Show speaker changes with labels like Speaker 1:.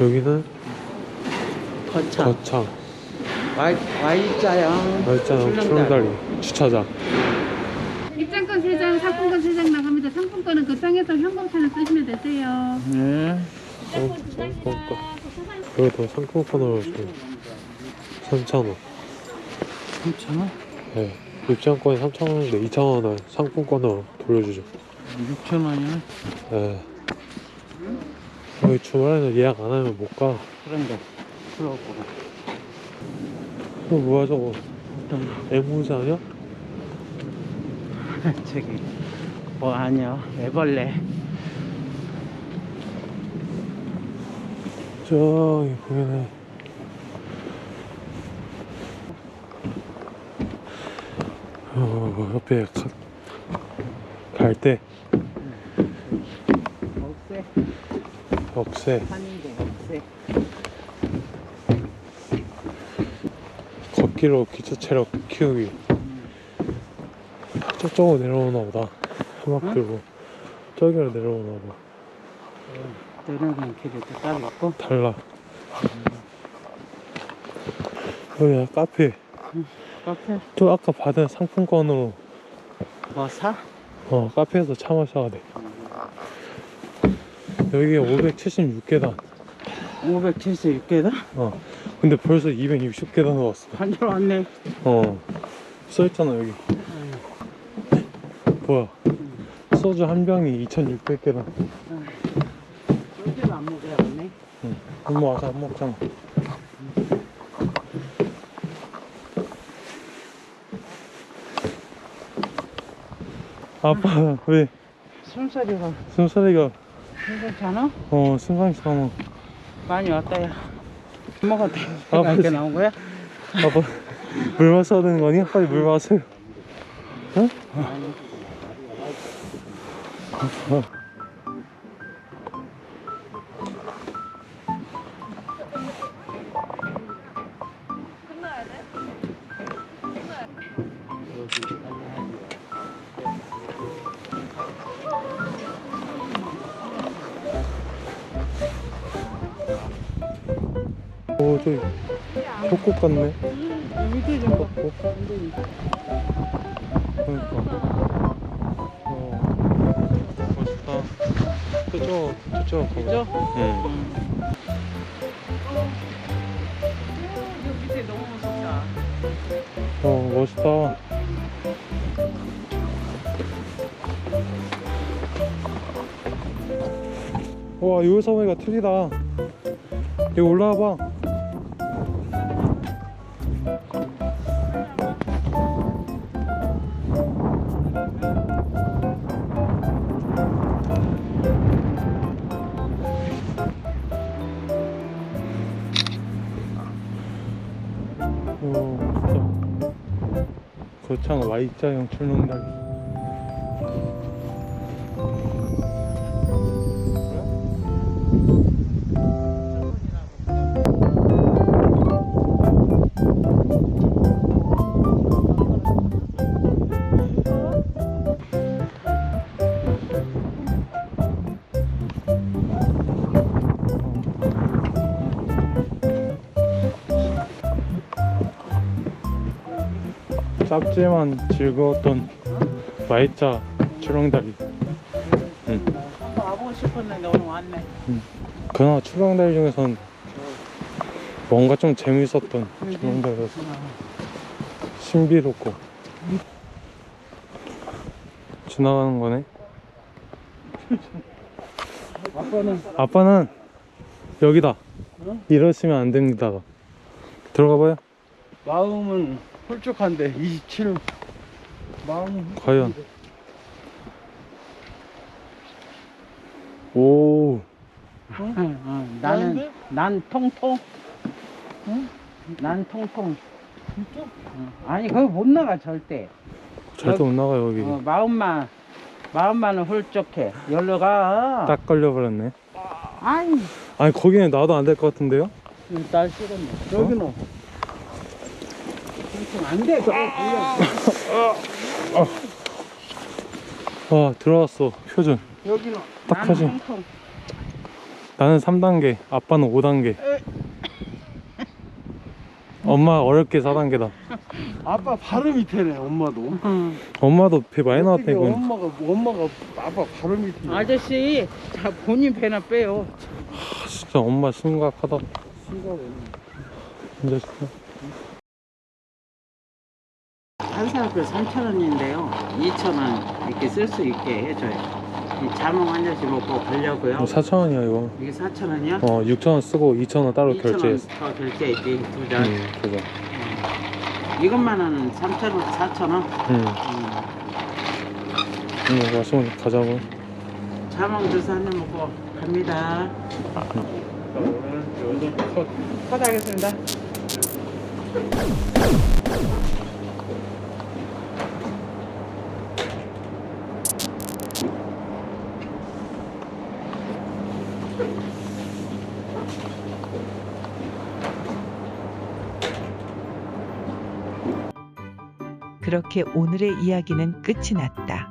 Speaker 1: 여기는
Speaker 2: 거창.
Speaker 1: Y자형 출렁다리 주차장.
Speaker 3: 입장권 3장, 상품권 3장 나갑니다. 상품권은 그 땅에서 현금차를 쓰시면 되세요.
Speaker 1: 상품권. 여기도 상품권으로 좀 3,000원.
Speaker 2: 3,000원?
Speaker 1: 네. 입장권이 3,000원인데 2,000원을 상품권으로 돌려주죠.
Speaker 2: 6,000원이네.
Speaker 1: 네. 여기 주말에는 예약 안 하면 못 가.
Speaker 2: 그런데 그렇고.
Speaker 1: 뭐야 저거? 애무새 아니야?
Speaker 2: 저기 뭐 아니야, 애벌레.
Speaker 1: 저기 보이네. 옆에 갈대. 억새.
Speaker 2: 산인데 억새.
Speaker 1: 걷기로 기초 체력 키우기. 저쪽으로 내려오나 보다. 음악 들고 저기로 내려오나 봐.
Speaker 2: 내려가는 길이 또 따로 있고.
Speaker 1: 달라. 여기야 카페.
Speaker 2: 카페?
Speaker 1: 또 아까 받은 상품권으로
Speaker 2: 뭐 사?
Speaker 1: 카페에서 차 마셔야 돼. 여기 576계단.
Speaker 2: 576개다?
Speaker 1: 근데 벌써 260계단 왔어.
Speaker 2: 한줄 왔네.
Speaker 1: 써있잖아 여기. 뭐야, 소주 한 병이 2,600계단.
Speaker 2: 소주를 안 먹어야겠네.
Speaker 1: 엄마 와서 안 먹잖아. 아빠 왜
Speaker 2: 숨소리가
Speaker 1: 숨소리가
Speaker 2: 괜찮아?
Speaker 1: 승강찮아.
Speaker 2: 많이 왔다, 야. 먹었대.
Speaker 1: 아빠
Speaker 2: 이렇게 나온 거야?
Speaker 1: 아빠 물 마셔야 되는 거 아니야? 빨리 물 마세요. 어? 오, 저기 협곡 같네.
Speaker 2: 밑에 좀 봐.
Speaker 1: 그러니까. 멋있다. 저쪽 가보자. 응.
Speaker 2: 여기 밑에 너무 무섭다.
Speaker 1: 멋있다. 와, 여기 섬이가 틀리다. 여기 올라와 봐. 거창 Y자형 출렁다리. 작지만 즐거웠던 Y자 출렁다리.
Speaker 2: 한번 와보고 싶었는데 오늘 왔네.
Speaker 1: 그나마 출렁다리 중에선 뭔가 좀 재밌었던 출렁다리였어. 신비롭고. 지나가는 거네. 아빠는 여기다. 이러시면 안 됩니다. 들어가 봐요.
Speaker 2: 마음은 홀쭉한데 27. 마음은
Speaker 1: 과연. 오.
Speaker 2: 난 통통. 응? 난 통통. 진짜? 아니 거기 못 나가 절대.
Speaker 1: 절대 못 나가 여기.
Speaker 2: 마음만은 홀쭉해. 여기로 가.
Speaker 1: 딱 걸려버렸네.
Speaker 2: 아니.
Speaker 1: 아니 거기는 놔도 안 될 것 같은데요?
Speaker 2: 딸 싫었네. 여기는. 안 돼.
Speaker 1: 아, 들어왔어. 표준.
Speaker 2: 여기는.
Speaker 1: 딱 표준. 나는 3단계, 아빠는 5단계. 엄마 어렵게 4단계다.
Speaker 4: 아빠 바로 밑에네 엄마도.
Speaker 1: 엄마도 배 많이 나왔다
Speaker 4: 어떻게
Speaker 1: 이건.
Speaker 4: 엄마가 아빠 바로 밑에.
Speaker 2: 아저씨, 자 본인 배나 빼요.
Speaker 1: 진짜 엄마 심각하다.
Speaker 4: 심각해.
Speaker 1: 진짜 진짜.
Speaker 2: 한 사람표 3,000원인데요. 2,000원 이렇게 쓸 수 있게 해줘요. 이 자몽 한 잔씩 먹고 가려고요.
Speaker 1: 4,000원이야 이거.
Speaker 2: 이게 4,000원이야?
Speaker 1: 6,000원 쓰고 2,000원 따로
Speaker 2: 2,000원
Speaker 1: 결제했어.
Speaker 2: 더 결제했지 두 잔.
Speaker 1: 그죠.
Speaker 2: 이것만은 3,000원, 4,000원.
Speaker 1: 마시면 가자고.
Speaker 2: 자몽 주스 한 잔 먹고 갑니다. 컷하겠습니다.
Speaker 5: 그렇게 오늘의 이야기는 끝이 났다.